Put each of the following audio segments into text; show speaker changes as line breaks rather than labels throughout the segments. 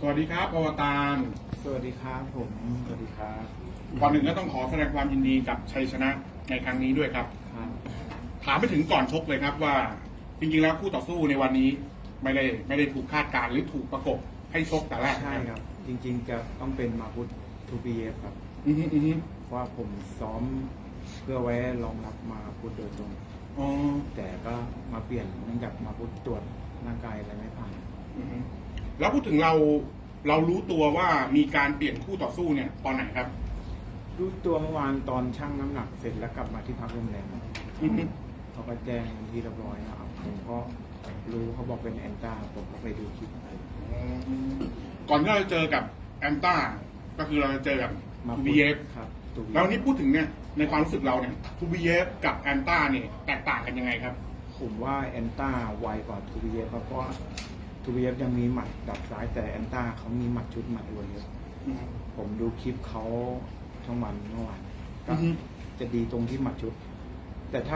วัสดีครับอวตาร
สวัสดีครับผมสวัสดีครับ
ก่อนหนึ่งก็ต้องขอแสดงความยินดีกับชัยชนะในครั้งนี้ด้วยครับถามไปถึงก่อนชกเลยครับว่าจริงๆแล้วคู่ต่อสู้ในวันนี้ไม่ได้ถูกคาดการณ์หรือถูกประกบให้ชกแต่แรก
ใช่ครับจริงๆจะต้องเป็นมาพุททูบีเอฟครับเพราะว่าผมซ้อมเพื่อไว้รองรับมาพุทโดยตรงแต่ก็มาเปลี่ยนเนื่องจากมาพุทตรวจร่างกายอะไรไม่ผ่าน
แล้วพูดถึงเรารู้ตัวว่ามีการเปลี่ยนคู่ต่อสู้เนี่ยตอนไหนครับ
รู้ตัวเมื่อวานตอนชั่งน้ำหนักเสร็จแล้วกลับมาที่พักโรงแรมเขาก็แจ้งที่เรียบร้อยนะครับผมก็รู้เขาบอกเป็นแอนต้าผมก็ไปดูคลิป
ก่อนที่เราจะเจอกับแอนต้าก็คือเราจะเจอกับทูบีเอฟ
ครับ
แล้วนี่พูดถึงเนี่ยในความรู้สึกเราเนี่ยทูบีเอฟกับแอนต้าเนี่ยแตกต่างกันยังไงครับ
ผมว่าแอนต้าไวกว่าทูบีเอฟเพราะทูบีเอฟยังมีหมัดดับซ้ายแต่แอนต้าเขามีหมัดชุดหมัดรวยเยอะผมดูคลิปเขาทั้งวันเมื่อวานก็จะดีตรงที่หมัดชุดแต่ถ้า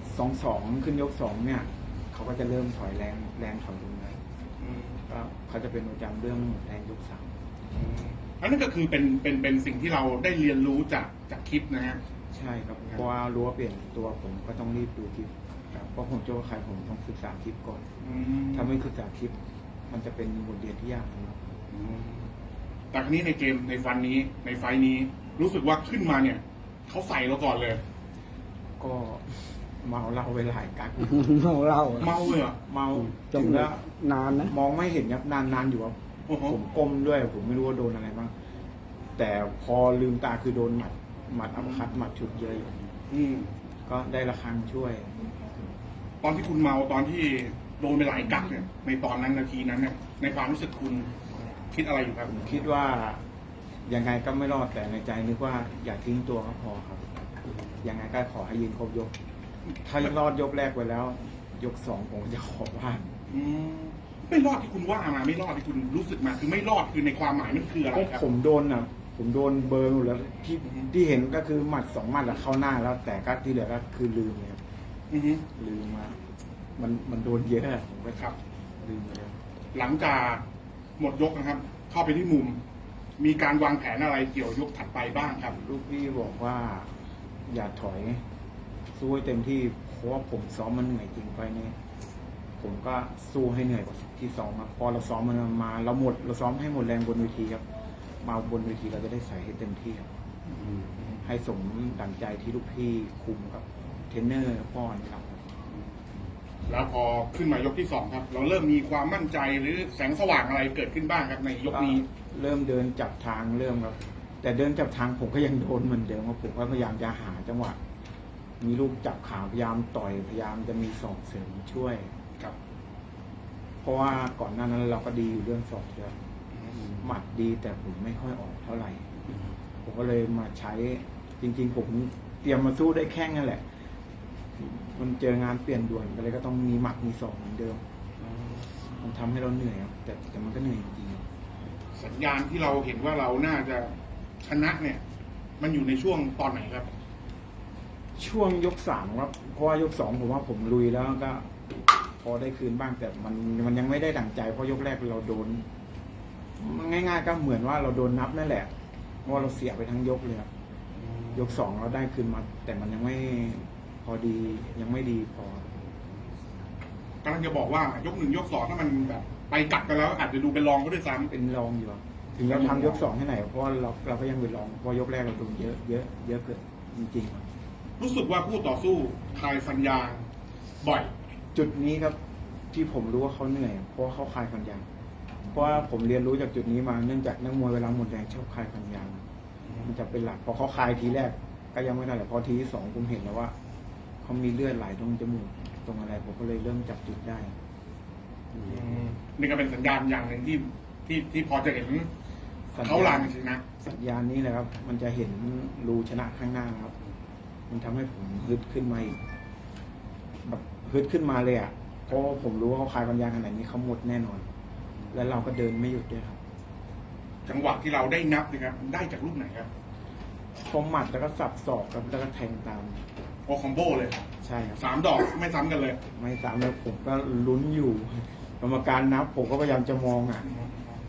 2-2ขึ้นยก2เนี่ยเขาก็จะเริ่มถอยแรงถอยลงเลยก็เขาจะเป็นประจำเรื่องแรงยก3
อันนั้นก็คือเป็นสิ่งที่เราได้เรียนรู้จากคลิปนะฮะ
ใช่ครับเพราะว่ารู้ว่าเปลี่ยนตัวผมก็ต้องรีบดูคลิปเพราะผมจะว่าใครผมต้องศึกษาคลิปก่อนถ้าไม่ศึกษาคลิปมันจะเป็นบทเรียนที่ยากนะครับ
แต่ครั้นี้ในเกมในไฟนี้รู้สึกว่าขึ้นมาเนี่ยเขาใส่เราก่อนเลย
ก็เมาเหล้าไปหลายกั๊ก
เมาเหล้า
เลยอ่ะ
เมาจนแล้ว
นานนะ
มองไม่เห็นครับนานอยู่ครับผมก้มด้วยผมไม่รู้ว่าโดนอะไรบ้างแต่พอลืมตาคือโดนหมัดอัปคัดหมัดชุดเยอะก็ได้ระฆังช่วย
ตอนที่คุณเมาตอนที่โดนไปหลายกั๊กเนี่ยในตอนนั้นนาทีนั้นเนี่ยในความรู้สึกคุณคิดอะไรอยู่ครับ
คิดว่ายังไงก็ไม่รอดแต่ในใจนึกว่าอย่าทิ้งตัวก็พอครับยังไงก็ขอให้ยืนครบยกถ้ารอดยกแรกไปแล้วยก2ผมจะขอว่า
ไม่รอดที่คุณว่ามาไม่รอดที่คุณรู้สึกมาคือไม่รอดคือในความหมายมันคืออะไรครับ
ผมโดนผมโดนเบอร์หมดแล้วที่เห็นก็คือหมัด2 หมัดเข้าหน้าแล้วแต่ก็ที่เหลือก็คือลืมเลยครับลืมมามันโดนเยอะผมก็
ครับ
ลืมไปแล้ว
หลังจากหมดยกนะครับเข้าไปที่มุมมีการวางแผนอะไรเกี่ยวยกถัดไปบ้างครับ
ลูกพี่บอกว่าอย่าถอยสู้ให้เต็มที่เพราะว่าผมซ้อมมันเหนื่อยจริงไปนี่ผมก็สู้ให้เหนื่อยกว่าที่ซ้อมครับพอเราซ้อมมันมาเราซ้อมให้หมดแรงบนเวทีครับมาบนเวทีเราจะได้ใส่ให้เต็มที่ครับให้สมดั่งใจที่ลูกพี่คุมกับเทรนเนอร์ป้อนครับ
แล้วพอขึ้นมายกที่2ครับเราเริ่มมีความมั่นใจหรือแสงสว่างอะไรเกิดขึ้นบ้างครับในยกนี้
เริ่มเดินจับทางเริ่มครับแต่เดินจับทางผมก็ยังโดนเหมือนเดิมครับผมก็พยายามจะหาจังหวะมีลูกจับขาพยายามต่อยพยายามจะมีศอกเสริมช่วย
ครับ
เพราะว่าก่อนหน้านั้นเราก็ดีอยู่เรื่องศอกเยอะหมัดดีแต่ผมไม่ค่อยออกเท่าไหร่ผมก็เลยมาใช้จริงๆผมเตรียมมาสู้ได้แค่นั่นแหละมันเจองานเปลี่ยนด่วนก็เลยก็ต้องมีหมัดมีศอกเหมือนเดิมมันทำให้เราเหนื่อยครับแต่มันก็เหนื่อยจริง
สัญญาณที่เราเห็นว่าเราน่าจะชนะเนี่ยมันอยู่ในช่วงตอนไหนครับ
ช่วงยก3ครับเพราะว่ายก2ผมว่าผมลุยแล้วก็พอได้คืนบ้างแต่มันยังไม่ได้ดั่งใจเพราะยกแรกเราโดนง่ายๆก็เหมือนว่าเราโดนนับนั่นแหละเพราะเราเสียไปทั้งยกเลยครับยก2เราได้คืนมาแต่มันยังไม่พอดียังไม่ดีพอก
ำลังจะบอกว่ายก1ยก2ถ้ามันแบบไปกัดกันแล้วอาจจะดูเป็นรองก็ด้วยซ้ำ
เป็นรองอยู่ถึงเราทำยก2ให้ไหนเพราะเราก็ยังเป็นรองเพราะยกแรกเราโดนเยอะเกินจริง
ๆรู้สึกว่าคู่ต่อสู้คลายฟันยางบ่อย
จุดนี้ครับที่ผมรู้ว่าเขาเหนื่อยเพราะเขาคลายฟันยางเพราะว่าผมเรียนรู้จากจุดนี้มาเนื่องจากนักมวยเวลาหมดแรงชอบคลายฟันยางมันจะเป็นหลักพอเขาคลายทีแรกก็ยังไม่ได้แต่พอทีที่2ผมเห็นแล้วว่าเขามีเลือดไหลตรงจมูกตรงอะไรผมก็เลยเริ่มจับจุดได้
นี่ก็เป็นสัญญาณอย่างหนึ่งที่พอจะเห็นเขาลางชนะ
สัญญาณนี้แหละครับมันจะเห็นรูชนะข้างหน้าครับมันทำให้ผมฮึดขึ้นมาอีกแบบฮึดขึ้นมาเลยอ่ะเพราะผมรู้ว่าเขาคลายฟันยางขนาดนี้เขาหมดแน่นอนและเราก็เดินไม่หยุดด้วยครับ
จังหวะที่เราได้นับนะครับได้จากลูกไหนครับ
พอหมัดแล้วก็สับศอกครับแล้วก็แทงตาม
โอคอมโบเลย
ใช่ครับ
3 ดอกไม่ซ้ำกันเลย
ไม่ซ้ำแล้วผมก็ลุ้นอยู่กรรมการนับผมก็พยายามจะมอง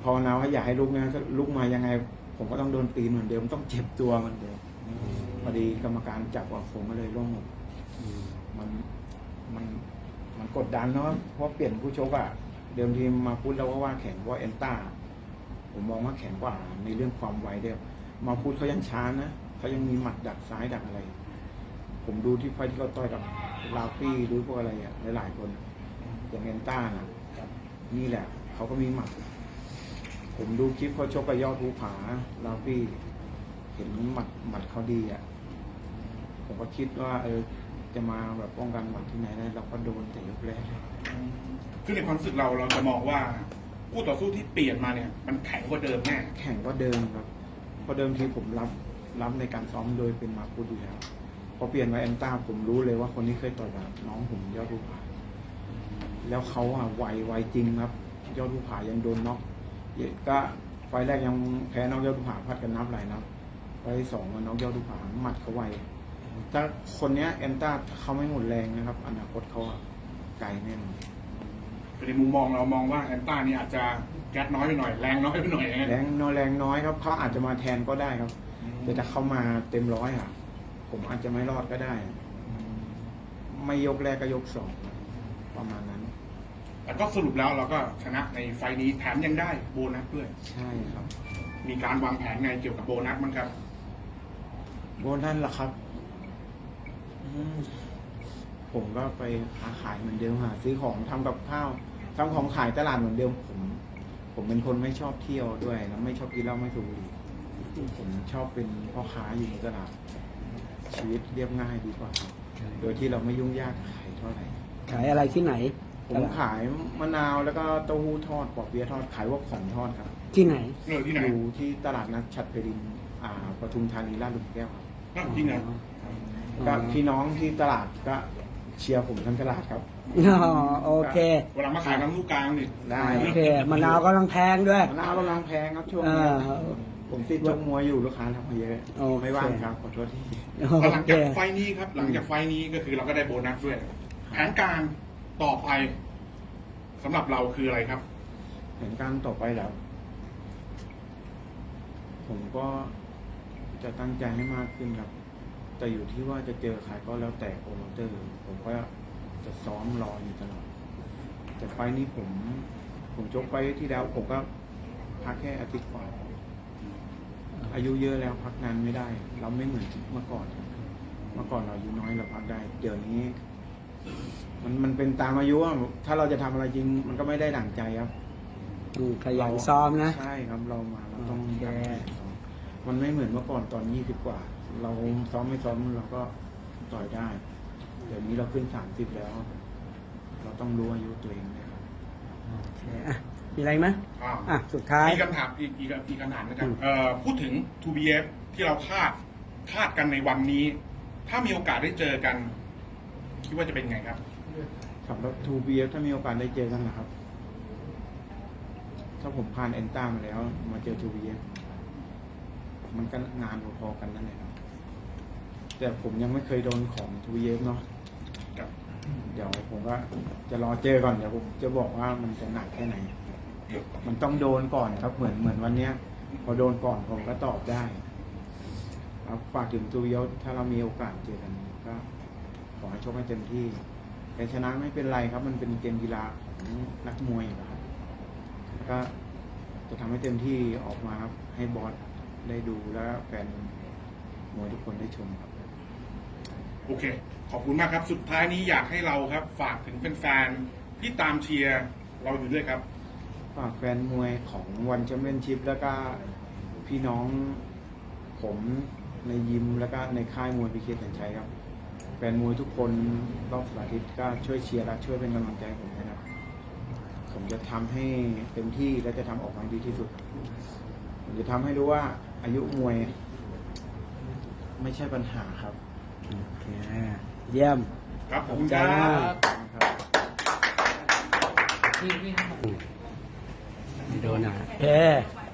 ภาวนาว่าอย่าให้ลุกนะถ้าลุกมายังไง ผมก็ต้องโดนตีนเหมือนเดิมต้องเจ็บตัวเหมือนเดิมพอดีกรรมการจับว่าผมก็เลยร่วงหมดมันมันกดดันเนาะเพราะเปลี่ยนผู้ชกอะเดิมทีมาพูดแล้วว่าแข็งกว่าเอนต้าผมมองว่าแข็งกว่าในเรื่องความไวเดียวมาพูดเขายังช้านะเขายังมีหมัดดักซ้ายดักอะไร ผมดูที่ไฟที่เขาต่อยกับลาฟี่หรือพวกอะไรอะหลายๆคนอย่างเอนต้านะนี่แหละเขาก็มีหมัด ผมดูคลิปเขาชกกับยอดภูผาลาฟี่เห็นหมัดเขาดีอ่ะผมก็คิดว่าจะมาแบบป้องกันหมัดที่ไหนได้เราก็โดนแต่ยกแรก
คือในความรู้สึกเราจะมองว่าคู่ต่อสู้ที่เปลี่ยนมาเนี่ยมันแข็งกว่าเดิมแน่
แข่งก็เดิมครับเพราะเดิมทีผมรับในการซ้อมโดยเป็นมาพูดอยู่แล้วพอเปลี่ยนมาแอนต้าผมรู้เลยว่าคนนี้เคยต่อยกับน้องผมยอดภูผาแล้วเขาอะไวจริงครับยอดภูผายังโดนน็อกก็ไฟแรกยังแพ้น้องยอดภูผาพัดกันนับหลายนับไฟสองน้องยอดภูผาหมัดเขาไวถ้าคนเนี้ยแอนต้าเขาไม่หมดแรงนะครับอนาคตเขาอะไกลแน่นอน
ในมุมมองเรามองว่าแอนต้านี่อาจจะแก๊สน้อยไปหน่อยแรงน้อยไปหน่อยนะ
แรงน้อยครับเขาอาจจะมาแทนก็ได้ครับแต่ถ้าเขามาเต็มร้อยอ่ะผมอาจจะไม่รอดก็ได้ ไม่ยกแรกก็ยกสองประมาณนั้น
แต่ก็สรุปแล้วเราก็ชนะในไฟล์นี้แถมยังได้โบนัสด้วย
ใช่ครับ
มีการวางแผนไงเกี่ยวกับโบนัสมั้งครับ
โบนัสล่ะครับผมก็ไปค้าขายเหมือนเดิมหาซื้อของทำกับข้าวทำของขายตลาดเหมือนเดิมผมเป็นคนไม่ชอบเที่ยวด้วยแล้วไม่ชอบกินเหล้าไม่สูบบุหรี่ผมชอบเป็นพ่อค้าอยู่ในตลาดชีวิตเรียบง่ายดีกว่าครับโดยที่เราไม่ยุ่งยากขายเท่าไหร่
ขายอะไรที่ไหน
ผมขายมะนาวแล้วก็เต้าหู้ทอดปอเปี๊ยะทอดขายพวกของทอดครับ
ที่ไหน
ที่ไหน
อยู่ที่ตลาดนัดฉัตรเพลินปทุมธานีลาดหลุมแก้วครับ
จริงเหรอ
ก็พี่น้องที่ตลาดก็เชียร์ผมทั้งตลาดครับ
อ๋อโอเค
เวลามาขายน้ำลูกกลางนี่
ได้
โอเคมะนาวกำลังแพงด้วย
มะนาวกำลังแพงครับช่วงนี้ ผมติดชกมวยอยู่ลูกค้าทำมาเยอะ
โอเค
ไม่ว่างครับขอโทษที่
แต่หลัง
โอเค
จากไฟล์นี้ครับ หลังจากไฟล์นี้ก็คือเราก็ได้โบนัสด้วยแผนการต่อไปสำหรับเราคืออะไรครับ
เห็นการต่อไปแล้ว ผมก็จะตั้งใจให้มากขึ้นครับ แต่อยู่ที่ว่าจะเจอใครก็แล้วแต่โปรโมเตอร์ ผมก็จะซ้อมรออยู่ตลอดแต่ไฟล์นี้ผมชกไปที่แล้ว ผมก็พักแค่อาทิตย์กว่าอายุเยอะแล้วพักนานไม่ได้ เราไม่เหมือนเมื่อก่อนครับเมื่อก่อนเราอายุน้อยเราพักได้ เดี๋ยวนี้ มันเป็นตามอายุอะถ้าเราจะทำอะไรจริง มันก็ไม่ได้ดั่งใจครับ
ขยันซ้อมนะ
ใช่ครับเรามาเราต้อง
โอเค
มันไม่เหมือนเมื่อก่อนตอน20 กว่า เราซ้อมไม่ซ้อมเราก็ต่อยได้ เดี๋ยวนี้เราขึ้น30แล้ว เราต้องรู้อายุตัวเองนะครับ
โอเคอ่ะมีอะไรไหม
อ่า
อ่ะ สุดท้าย
มีคำถามอีกคำถามนะครับพูดถึง 2BF ที่เราคาดกันในวันนี้ ถ้ามีโอกาสได้เจอกัน คิดว่าจะเป็นไงครับ
สำหรับ 2BF ถ้ามีโอกาสได้เจอกันนะครับ ถ้าผมผ่านเอนต้ามาแล้วมาเจอ 2BF มันก็งานพอๆกันนั่นแหละครับแต่ผมยังไม่เคยโดนของ 2BF เนาะ
ครับ
เดี๋ยวผมก็จะรอเจอก่อนเดี๋ยวผมจะบอกว่ามันจะหนักแค่ไหน มันต้องโดนก่อนครับเหมือนวันเนี้ย พอโดนก่อนผมก็ตอบได้ครับฝากถึงตูยศถ้าเรามีโอกาสเจอกันก็ขอให้ชกให้เต็มที่แต่ชนะไม่เป็นไรครับ มันเป็นเกมกีฬาของนักมวยนะครับแล้วก็จะทำให้เต็มที่ออกมาครับให้บอสได้ดูแล้วแฟนมวยทุกคนได้ชมครับ
โอเค ขอบคุณมากครับ สุดท้ายนี้อยากให้เราครับ ฝากถึงแฟนๆที่ตามเชียร์เราอยู่ด้วยครับ
ฝากแฟนมวยของวันแชมเปี้ยนชิพแล้วก็พี่น้องผมในยิมแล้วก็ในค่ายมวยพีเคสัญชัยครับแฟนมวยทุกคนรอบสัปดาห์อาทิตย์ก็ช่วยเชียร์และช่วยเป็นกำลังใจให้ผมนะครับผมจะทำให้เต็มที่และจะทำออกมาดีที่สุดผมจะทำให้รู้ว่าอายุมวยไม่ใช่ปัญหาครับ
โอเค เยี่ยม
ครับขอบคุณ
ใจ
ครั
มาก
บ
ครับ
ไม่โดนอ่ะโอเค